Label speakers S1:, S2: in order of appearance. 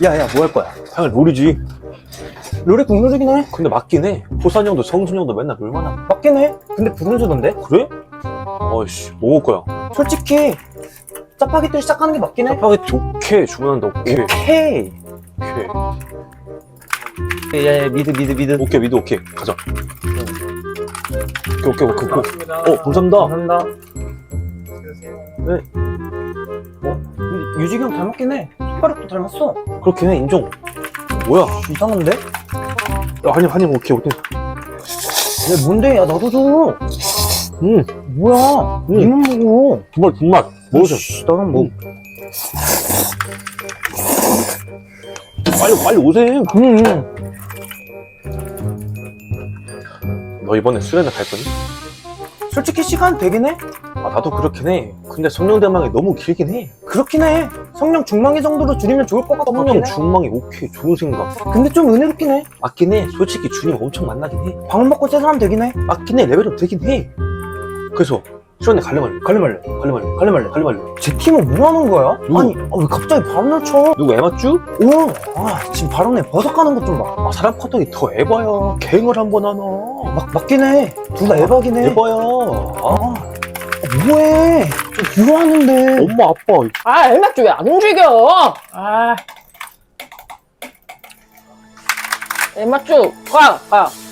S1: 야야 뭐 할 거야?
S2: 당연히 롤이지.
S1: 롤이 국룰이긴 해.
S2: 근데 맞긴 해. 호산이 형도 성순이 형도 맨날 롤만 하고.
S1: 맞긴 해. 근데 불운수던데?
S2: 그래? 어이씨, 뭐 먹을 거야?
S1: 솔직히 짜파게티를 시작하는 게 맞긴 해.
S2: 짜파게티 오케이. 주문한다, 오케이.
S1: 오케이.
S2: 오케이.
S1: 야야 미드.
S2: 오케이, 미드 오케이. 가자. 오케이. 감사합니다.
S1: 감사합니다. 네. 근데 유식이 형 닮았긴 해. 손가락도 닮았어.
S2: 그렇긴 해, 인정. 뭐야?
S1: 이상한데?
S2: 야, 한입 오케이.
S1: 야 뭔데? 야 나도 줘. 뭐야?
S2: 음.
S1: 니만 먹어.
S2: 분맛. 먹으세요.
S1: 씨, 나는 뭐.
S2: 빨리 오세요. 너 이번에 수련회 갈 거니?
S1: 솔직히 시간 되긴 해.
S2: 아, 나도 그렇긴 해. 근데 성령대망이 너무 길긴 해.
S1: 그렇긴 해. 성령 중망이 정도로 줄이면 좋을 것 같긴
S2: 성령
S1: 해.
S2: 중망이 오케이. 좋은 생각.
S1: 근데 좀 은혜롭긴 해.
S2: 맞긴 해. 솔직히 주님 엄청 만나긴 해.
S1: 밥 먹고 새 사람 되긴 해.
S2: 맞긴 해. 레벨업 되긴 해. 그래서 수련회 갈래 말래?
S1: 제 팀은 뭐 하는 거야?
S2: 누구?
S1: 아니, 왜 갑자기 발언을 쳐?
S2: 누구 에마쭈?
S1: 지금 발언에 버섯가는 것 좀 봐.
S2: 아, 사람 커터기 더 에바야. 갱을 한번 하나.
S1: 맞긴 해. 둘 다 에바긴 해.
S2: 에바야.
S1: 뭐해? 좀 유하는데.
S2: 엄마, 아빠.
S3: 아, 엘맥주 왜 안 움직여? 아. 엘맥주, 가.